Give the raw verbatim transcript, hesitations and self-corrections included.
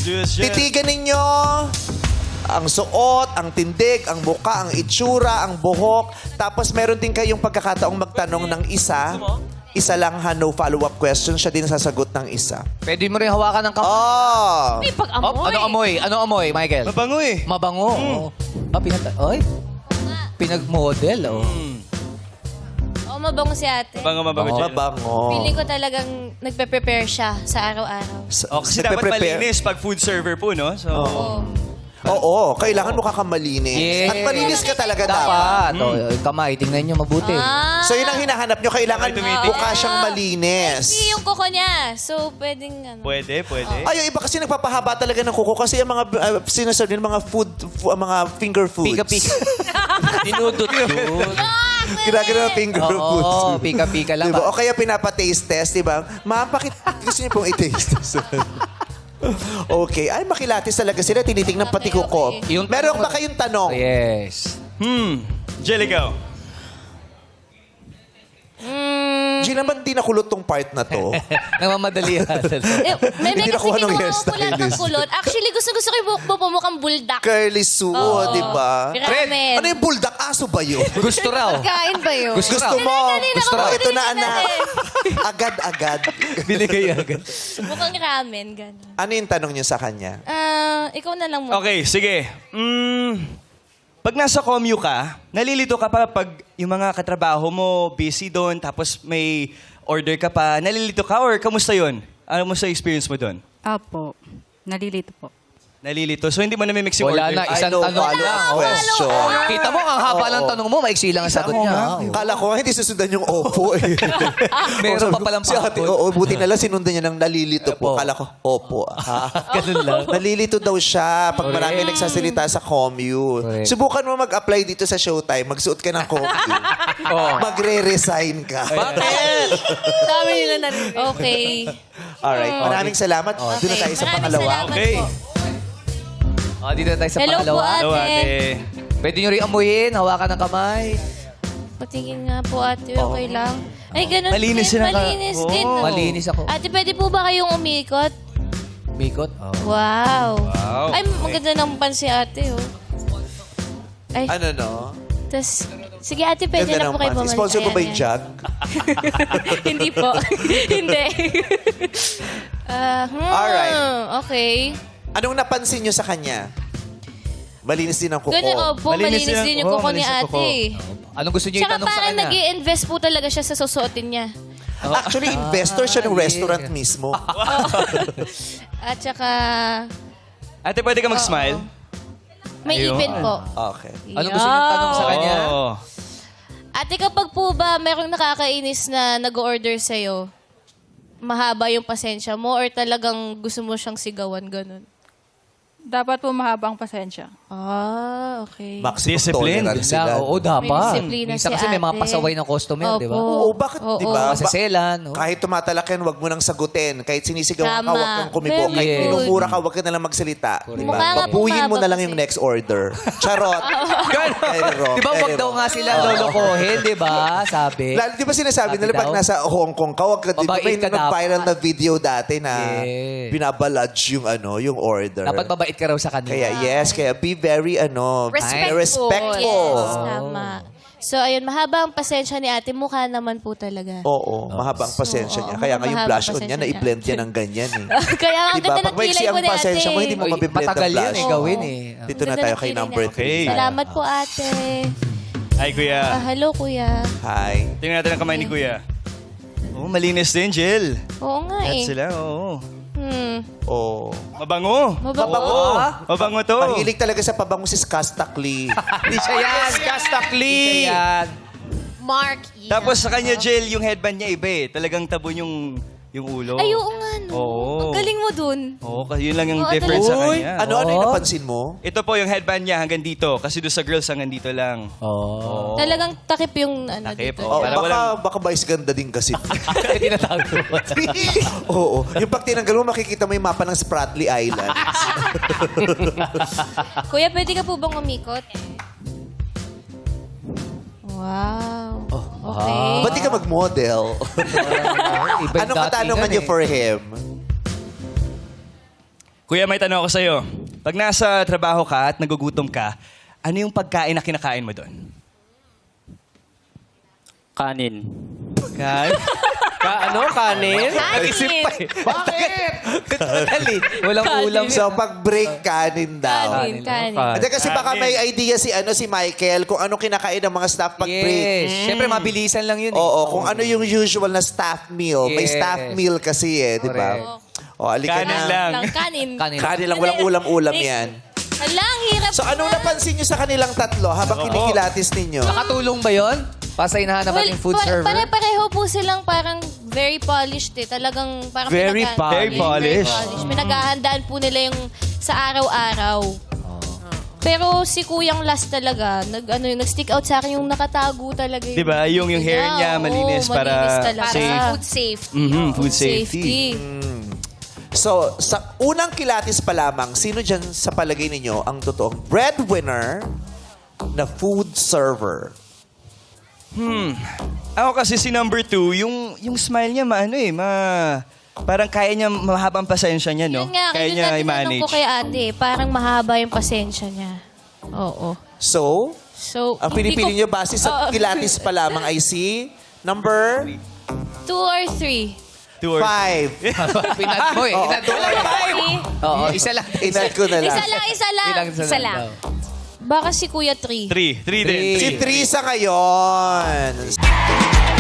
Yes, yes. Titigan ninyo ang suot, ang tindig, ang buka, ang itsura, ang buhok. Tapos meron din kayong pagkakataong magtanong ng isa. Isa lang ha, no follow-up question. Siya din sasagot ng isa. Pwede mo rin hawakan ng kamay. Oh! May pag-amoy. Oh, ano amoy? Ano amoy, Michael? Mabango eh. Mabango. Oh. Ah, pinata... Oy. Pinag-model, oh. Oo, mabango si ate. Mabango, mabango, Oo. Jill. Mabango. Feeling ko talagang nagpe-prepare siya sa araw-araw. Sa- Oh, kasi dapat nagpe-prepare. malinis pag food server po, no? So, Oo. Oo, kailangan mukha kang malinis. Yes. At malinis ka talaga dapat. Dapat. Oh, yung kamay, tingnan nyo mabuti. Ah, So yun ang hinahanap nyo. Kailangan Ay, tumitig. mukha siyang malinis. hindi yung kuko niya. So, pwedeng ano. pwede, pwede. Ay, yung iba kasi nagpapahaba talaga ng kuko kasi yung mga uh, sinasabi ng mga food, fu- mga finger foods. Pika-pika. Dinudot-dut. Ginagano ng finger Oo, foods. pika-pika lang. Diba? O kaya pinapa-taste test, di ba? Ma'am, bakit gusto niyo pong i-taste test? Okay. Ay, makilatis talaga sila. Tinitingnan pati Okay, kuko. okay. Yung Meron tanong- ba kayong tanong? Yes. Hmm. Jill, ikaw. Gina, ba't di nakulot tong part na to? Namamadali yan. Eh, may may Hindi kasi nakuha ng kinuha ko hairstylist. kulot ng kulot. Actually, gusto-gusto ko yung buhok mo pumukhang buldak. Curly Sue, Oo. di ba? Ramen. Ano yung buldak? Aso ba yun? Gusto raw. Kain ba yun? Gusto Gusto mo? Kanina Gusto ko mo? pa Ito na, tinitingnan anak. eh. Agad-agad. Binigay agad. Mukhang ramen, gano'n. Ano yung tanong niyo sa kanya? Ah, ikaw na lang mo. Okay, sige. Mm, pag nasa commute ka, nalilito ka pa pag yung mga katrabaho mo busy doon, tapos may order ka pa, nalilito ka or kamusta yun? Ano mo sa experience mo doon? Apo. Nalilito po. Nalilito. So hindi mo na may mix yung Wala order. na, isang I know, tanong follow-up lang. question. Kita mo, ang haba ng tanong mo, maiksi lang ang sagot niya. Kala ko hindi susundan yung opo eh. Meron pa palang Si ate, pangkot. oo, buti na lang sinundan niya ng nalilito po. Opo. Kala ko, opo. Ah. Ganun lang. Nalilito daw siya pag Correct. marami nagsasalita sa commute. Correct. Subukan mo mag-apply dito sa Showtime. Magsuot ka ng commute. Oh. Magre-resign ka. Bakit? Dami nila narinig. Okay. Alright, maraming salamat. Doon na tayo sa Maraming pangalawa. salamat Okay. po. Oh, dito na tayo sa Hello po, pangalawa. ate. Hello, ate. Pwede nyo rin amuyin, hawakan ng kamay. Patingin nga po, ate. Okay lang. Ay, ganun Malinis din. sila ka- Malinis Oo. din. no? Malinis ako. Ate, pwede po ba kayong umikot? Mikot. Oh. Wow. Wow. Ay, maganda ng pan si ate, oh. Ay, Ano no? tas... Sige, ate, pwede Ganda na po ng kayo pants. bumalik. Sponsor ko ba Ayan, yung ayan. jug? Hindi po. Hindi. Ah, hmm, Alright. Okay. Anong napansin niyo sa kanya? Malinis din ang kuko. Ganun, opo. Malinis Malinis, yan. din yung Oo, kuko ni malinis ang ate. kuko. Anong gusto nyo Tsaka itanong sa parang kanya? nag invest po talaga siya sa susuotin niya. Actually, investor siya ng yeah. restaurant mismo. At saka, Ate, pwede ka mag-smile? may Ayun. ipin po. Okay. Anong gusto nyo itanong sa kanya? Oo. Ate, kapag po ba merong nakakainis na nag-order sa'yo, mahaba yung pasensya mo or talagang gusto mo siyang sigawan, ganun? Dapat po mahabang pasensya. Ah, okay. Maximum Discipline. tolerance sila. Oo, dapat. May disiplina Minsan si kasi may mga ate. pasaway ng customer, di ba? Opo. Oo, bakit, Oo. di ba? Ba- Masaselan. oh. Kahit tumatalak yan, wag mo nang sagutin. Kahit sinisigawan ka, Tama. wag kang kumibo. Very Kahit good. minumura ka, wag ka na lang magsalita. Di Mukha ba? nga Babuhin mo bumaba na lang kasi. yung next order. Charot. Very wrong, Di ba very wag daw wrong. nga sila lolokohin, di ba? Sabi. Lalo, di ba sinasabi Sabi nila pag daw. nasa Hong Kong ka, wag ka, di ba Mabait may ka nag-viral dapat. na video dati na Yes. binabaludge yung ano, yung order. Dapat mabait ka raw sa kanila. Kaya yes, kaya be very ano, Respectful. respectful. Yes, tama. So, ayun, mahaba ang pasensya ni ate. Mukha naman po talaga. Oo, mahabang pasensya Oo, niya. Kaya nga yung mahaba blush on pasensya niya, niya. na-i-blend yan ng ganyan eh. Kaya ang Diba? ganda Pag ng maiksi kilay ang mo ni ate. pasensya mo, hindi mo Uy, mabiblend ang matagal yan blush. eh, gawin eh. Dito na Ganda tayo ng kay kilay number niya. three. Okay. Salamat po, ate. Hi, kuya. Ah, hello, kuya. Hi. Tingnan natin ang kamay ni kuya. Oh, malinis din, Jill. Oo nga At eh. sila, oo. Hmm. Oh. Mabango. Mabango. Mabango to. Mahilig talaga sa pabango si Skastakli. Hindi siya yan. Kastakli. Hindi siya yan. Mark. Ian. Tapos sa kanya, Jill, yung headband niya iba eh. Talagang tabon yung yung ulo. Ay, oo nga, no. Oo. Ang galing mo dun. Oo, kasi yun lang yung Oo, difference sa Uy, kanya. ano, ano yung napansin mo? Ito po yung headband niya hanggang dito. Kasi doon sa girls hanggang dito lang. Oh. Talagang takip yung ano Takip, dito. Oh, Para baka, walang- baka vice ganda din kasi. Tinatago mo. Oo. Yung pag tinanggal mo, makikita mo yung mapa ng Spratly Islands. Kuya, pwede ka po bang umikot? Wow. Okay. Ba't di ka mag-model? Iba yung Anong katanungan datingan niyo eh. for him? Kuya, may tanong ako sa'yo. Pag nasa trabaho ka at nagugutom ka, ano yung pagkain na kinakain mo doon? Kanin. Kan? Ka, ano? Kanin? Isip pa eh. Bakit? Dali. Walang ulam. So, pag break, kanin daw. Kanin, kanin. Hindi kasi baka may idea si ano si Michael kung ano kinakain ng mga staff pag break. Yes. Siyempre, mabilisan lang yun. eh. Oo, kung ano yung usual na staff meal. May Yes. staff meal kasi eh, di ba? Correct. O, alika Kanin na. lang. Lang, kanin. Kanin. Kanin lang, walang ulam-ulam yan. Hala, ang hirap. So, anong napansin nyo sa kanilang tatlo habang kinikilatis ninyo? Nakatulong ba yun? Pasay na hanap Well, ng food pa- server? Pare-pareho po silang parang very polished eh. Talagang parang Very pinagha- polished. Very polished. polished. Pinaghahandaan po nila yung sa araw-araw. Pero si Kuyang last talaga, nag, ano, yun, nag-stick out sa akin yung nakatago talaga. Di ba? Yung, yung hair niya, Oo, malinis para malinis talaga. safe. Para Food safety. Mhm, Oo, food safety. So, sa unang kilatis pa lamang, sino dyan sa palagay ninyo ang totoong breadwinner na food server? Ako kasi si number two, yung, yung smile niya, maano eh, ma... Parang kaya niya, mahabang pasensya niya, no? Yun nga, Kaya yun niya nga tinanong i-manage. ko kay ate, parang mahaba yung pasensya niya. Oo. So, So, ang hindi pinipili ko- nyo base sa Oo. kilatis pa lamang ay si number Two or three? Two or- five. Pinad mo eh. Oo. Inad mo lang. Three? Oo, isa lang. Inad ko na lang. Isa lang, isa lang. Ilang Isa lang. daw. Baka si Kuya three. Three. Three din. Si Trisa ngayon.